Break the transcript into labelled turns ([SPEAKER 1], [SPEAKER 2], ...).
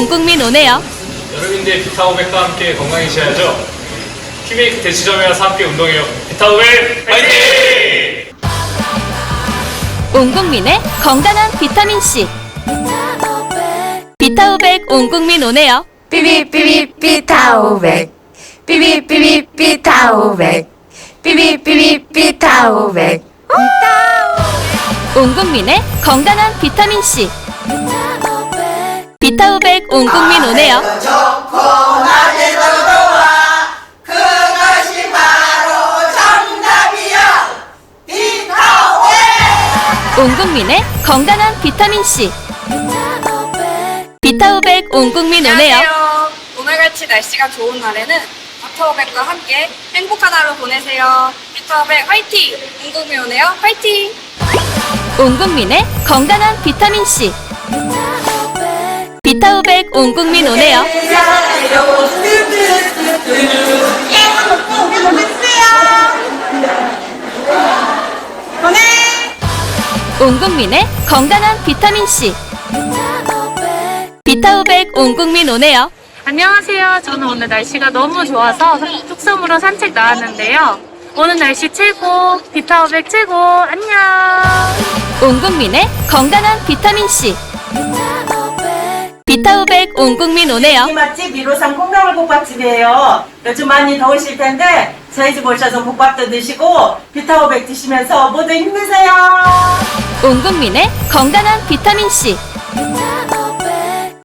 [SPEAKER 1] 온 국민 오네요.
[SPEAKER 2] 여름인데 비타오백과 함께 건강해지셔야죠. 퀴메이크 대치점에 와서 함께 운동해요. 비타오백 화이팅!
[SPEAKER 1] 온 국민의 건강한 비타민 C. 비타오백 온 국민 오네요.
[SPEAKER 3] 삐비삐비 비타오백 삐비삐비 비타오백 삐비삐비 비타오백
[SPEAKER 1] 온 국민의 건강한 비타민 C. 비타오백 온 국민 오네요.
[SPEAKER 4] 좋고 낮에도 좋아 그것이 바로 정답이야 비타오백
[SPEAKER 1] 온 국민의 건강한 비타민 C. 비타오백 온 국민 오네요.
[SPEAKER 5] 안녕하세요. 오늘같이 날씨가 좋은 날에는 비타오백과 함께 행복한 하루 보내세요. 비타오백 화이팅! 온 국민 오네요. 화이팅!
[SPEAKER 1] 온 국민의 건강한 비타민 C. 비타오백 온 국민 오네요. 온 국민의 건강한 비타민 C. 비타오백 온 국민 오네요.
[SPEAKER 6] 안녕하세요. 저는 오늘 날씨가 너무 좋아서 뚝섬으로 산책 나왔는데요. 오늘 날씨 최고, 비타오백 최고, 안녕!
[SPEAKER 1] 온 국민의 건강한 비타민 C. 비타오백 온 국민 오네요.
[SPEAKER 7] 이 맛집 1호선 콩나물국밥집이에요. 요즘 많이 더우실 텐데 저희 집 오셔서 국밥도 드시고 비타오백 드시면서 모두 힘내세요.
[SPEAKER 1] 온 국민의 건강한 비타민 C.